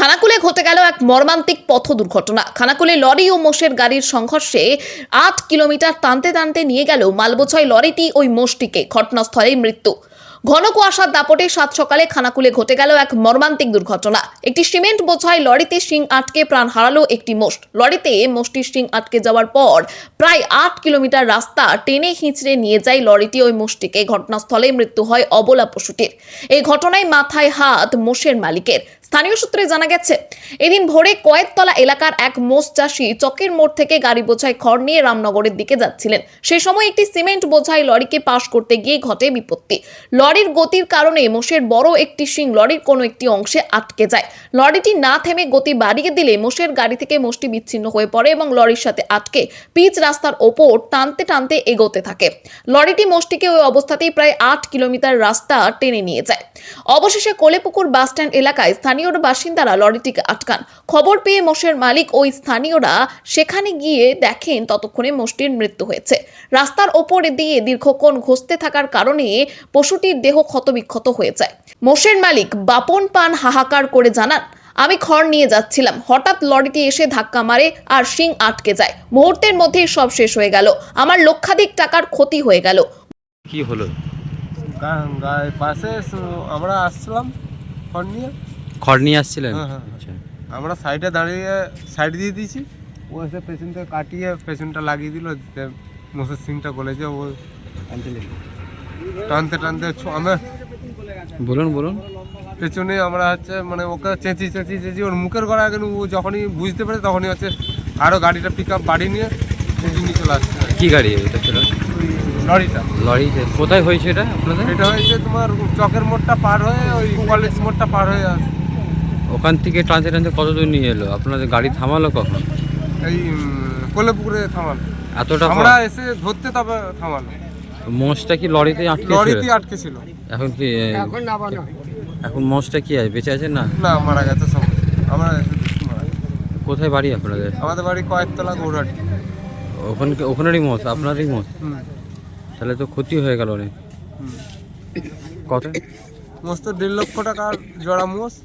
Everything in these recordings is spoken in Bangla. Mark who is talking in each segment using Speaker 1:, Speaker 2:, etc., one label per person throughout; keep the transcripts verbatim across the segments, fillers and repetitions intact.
Speaker 1: খানাকুলে ঘটে গেল এক মর্মান্তিক পথ দুর্ঘটনা। খানাকুলে লরি ও মোষের গাড়ির সংঘর্ষে আট কিলোমিটার টানতে টানতে নিয়ে গেল মালবোঝাই লরিটি ওই মোষটিকে। ঘটনাস্থলেই মৃত্যু। ঘন কুয়াশার দাপটে সাত সকালে খানাকুলে ঘটে গেল এক মর্মান্তিক দুর্ঘটনা। একটি সিমেন্ট বোঝাই লরিতে শিং আটকে প্রাণ হারালো একটি মোষ। লরিতে মোষটির শিং আটকে যাওয়ার পর প্রায় আট কিলোমিটার রাস্তা টেনে হিঁচড়ে নিয়ে যায় লরিটি ওই মোষটিকে। ঘটনাস্থলেই মৃত্যু হয় অবলা পশুটির। এই ঘটনায় মাথায় হাত মোষের মালিকের। স্থানীয় সূত্রে জানা গেছে, এদিন ভোরে কয়েকতলা এলাকার এক মোষ চাষী চকের মোড় থেকে গাড়ি বোঝাই খড় নিয়ে রামনগরের দিকে যাচ্ছিলেন। সেই সময় একটি সিমেন্ট বোঝাই লরিকে পাশ করতে গিয়ে ঘটে বিপত্তি। লরির গতির কারণে মোষের বড় একটি শিং লরির কোনো একটি অংশে আটকে যায়। লরিটি না থেমে গতি বাড়িয়ে দিলে মোষের গাড়ি থেকে মোষটি বিচ্ছিন্ন হয়ে পড়ে এবং লরির সাথে আটকে পিচ রাস্তার ওপর টানতে টানতে এগোতে থাকে। লরিটি মোষটিকে ওই অবস্থাতেই প্রায় আট কিলোমিটার রাস্তা টেনে নিয়ে যায়। অবশেষে কোলেপুকুর বাসস্ট্যান্ড এলাকায় স্থানীয় বাসিন্দারা লরিটিকে আটকান। খবর পেয়ে মোষের মালিক ওই স্থানীয়রা সেখানে গিয়ে দেখেন ততক্ষণে মোষটির মৃত্যু হয়েছে। রাস্তার ওপরে দিয়ে দীর্ঘক্ষণ ঘষতে থাকার কারণে পশুটির দেহ ক্ষতবিক্ষত হয়ে যায়। মোষের মালিক বাপন পান হাহাকার করে জানান, আমি খড় নিয়ে যাচ্ছিলাম, হঠাৎ লরিটি এসে ধাক্কা মারে আর শিং আটকে যায়। মুহূর্তের মধ্যেই সব শেষ হয়ে গেল। আমার লক্ষাধিক টাকার ক্ষতি হয়ে গেল।
Speaker 2: কি হলো?
Speaker 3: পাশে আমরা আসছিলাম খড় নিয়ে
Speaker 2: খড় নিয়ে আসছিলেন?
Speaker 3: হ্যাঁ হ্যাঁ আমরা সাইডে দাঁড়িয়ে সাইড দিয়ে দিয়েছি, ও এসে পেছনটা কাটিয়ে পেছনটা লাগিয়ে দিল। মোষের সিংটা গলেছে, ও টানতে টানতে আমরা
Speaker 2: বলুন বলুন
Speaker 3: পেছনে আমরা হচ্ছে মানে ওকে চেঁচি চেঁচি চেঁচি ওর মুখের গড়া কিন্তু ও যখনই বুঝতে পারে তখনই হচ্ছে আরও গাড়িটা পিক আপ বাড়ি নিয়ে চেঁচি নিয়ে চলে আসছে।
Speaker 2: কি গাড়ি এটা ছিল?
Speaker 3: লরিটা।
Speaker 2: লরি কোথায় হয়েছে এটা আপনাদের?
Speaker 3: এটা হয়েছে তোমার চকের মোড়টা পার হয়ে ওই কলেজ মোড়টা পার হয়ে আসে।
Speaker 2: ওখান থেকে টানতে টানতে কত দূর নিয়ে এলো? আপনাদের গাড়ি থামালো কখন?
Speaker 3: এই কোলেপুকুরে থামালো।
Speaker 2: এতটা
Speaker 3: আমরা এসে ধরতে তবে থামালো।
Speaker 2: মোষটা কি লরিতে আটকে ছিল?
Speaker 3: লরিতে আটকে ছিল।
Speaker 2: এখন কি এখন নামানো? এখন মোষটা কি আছে, বেঁচে আছে না?
Speaker 3: না, মারা গেছে সব। আমরা এসে দেখি মারা গেছে।
Speaker 2: কোথায় বাড়ি আপনাদের?
Speaker 3: আমাদের বাড়ি কয়েকতলা গৌরহাটি।
Speaker 2: ওখানে ওখানেরই মোষ, আপনারই মোষ?
Speaker 3: হুম।
Speaker 2: তাহলে তো ক্ষতি হয়ে গেল অনেক। কত?
Speaker 3: মোষ তো দেড় লক্ষ টাকার জোড়া মোষ,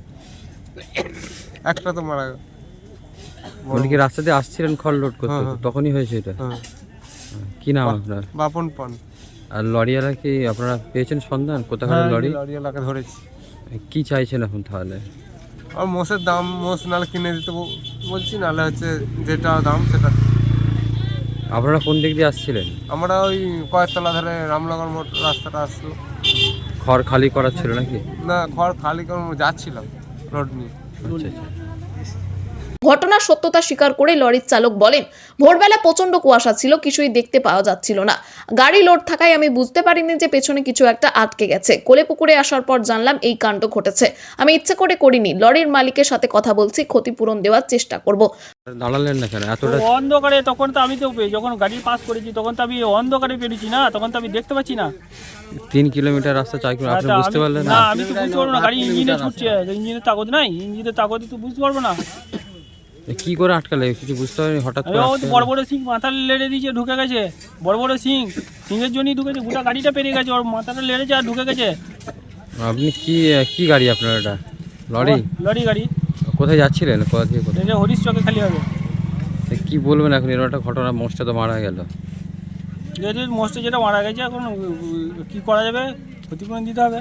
Speaker 3: একটা তো মারা গেল।
Speaker 2: উনি কি রাস্তাতে আসছিলেন খড় লোড করতে? তখনই হয়েছে এটা?
Speaker 3: হ্যাঁ।
Speaker 2: কি নাম আপনার?
Speaker 3: বাপন পান।
Speaker 2: আর লরিওয়ালা কি আপনারা পেয়েছেন সন্ধান? কোথাকার লরি?
Speaker 3: লরিওয়ালাকে ধরেছি।
Speaker 2: কি চাইছেন এখন তাহলে?
Speaker 3: আর মোষের দাম, মোষ নাহলে কিনে দিতে বলছি, নাহলে হচ্ছে যেটা দাম সেটা।
Speaker 2: আপনারা কোন দিক দিয়ে আসছিলেন?
Speaker 3: আমরা ওই কয়েকতলা ধরে রামনগর মোড় রাস্তাটা আসলো।
Speaker 2: খড় খালি করার ছিল নাকি?
Speaker 3: না, খড় খালি করে যাচ্ছিলাম রোড নিয়ে।
Speaker 2: আচ্ছা আচ্ছা।
Speaker 1: ঘটনার সত্যতা স্বীকার করে লরির চালক বলেন, ভোরবেলা প্রচন্ড কুয়াশা ছিল, কিছুই দেখতে পাওয়া যাচ্ছিল না। গাড়ি লোড থাকায় আমি বুঝতে পারিনি যে পেছনে কিছু একটা আটকে গেছে। কোলেপুকুরে আসার পর জানলাম এই কাণ্ড ঘটেছে। আমি ইচ্ছে করে করিনি। লরির মালিকের সাথে কথা বলছি, ক্ষতিপূরণ দেওয়ার চেষ্টা করব।
Speaker 2: দাঁড়ালেন না কেন এতটা?
Speaker 4: অন্ধকারে তখন তো আমি তো যখন গাড়ি পাস করেছি তখন তো আমি অন্ধকারে পেরেছি না, তখন তো আমি দেখতে পাচ্ছি না।
Speaker 2: তিন কিলোমিটার রাস্তা চাই করে আপনি বুঝতে পারলেন
Speaker 4: না? আমি তো বুঝতে পারবো না, গাড়ি ইঞ্জিনে ছুটছে, ইঞ্জিনের তাগদ নাই, ইঞ্জিনের তাগদে তো বুঝতে পারবো না।
Speaker 2: কি করে আটকালে কিছু বুঝতে পারিনি হঠাৎ করে?
Speaker 4: বড় বড় সিং মাথা লেড়ে দিয়েছে, ঢুকে গেছে। বড় বড় সিং সিংয়ের জন্যই ঢুকেছে, গোটা গাড়িটা পেরিয়ে গেছে, ওর মাথাটা লেড়েছে আর ঢুকে গেছে।
Speaker 2: আপনি কি কি গাড়ি আপনার? এটা লরি?
Speaker 4: লরি গাড়ি।
Speaker 2: কোথায় যাচ্ছিলেন? কোথা থেকে কোথায়?
Speaker 4: এটা হরিশ চকে খালি হবে।
Speaker 2: কি বলবেন এখন? এরকম একটা ঘটনা, মোষটা তো মারা গেল।
Speaker 4: মোষটা যেটা মারা গেছে, এখন কি করা যাবে? ক্ষতিপূরণ দিতে হবে।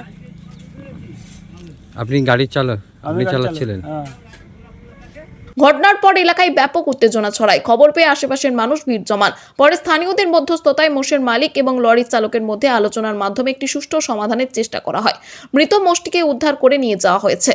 Speaker 2: আপনি গাড়ির চালক? আপনি চালাচ্ছিলেন?
Speaker 4: হ্যাঁ।
Speaker 1: ঘটনার পর এলাকায় ব্যাপক উত্তেজনা ছড়ায়। খবর পেয়ে আশেপাশের মানুষ ভিড় জমান। পরে স্থানীয়দের মধ্যস্থতায় মোষের মালিক এবং লরির চালকের মধ্যে আলোচনার মাধ্যমে একটি সুষ্ঠু সমাধানের চেষ্টা করা হয়। মৃত মোষটিকে উদ্ধার করে নিয়ে যাওয়া হয়েছে।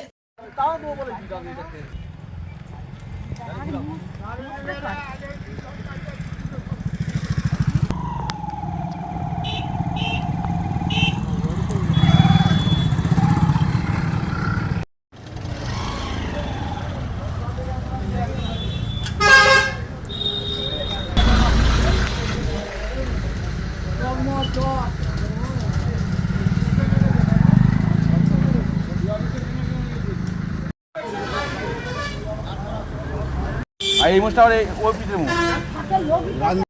Speaker 5: আর এই মোষটা ওই পিঠের মোষ।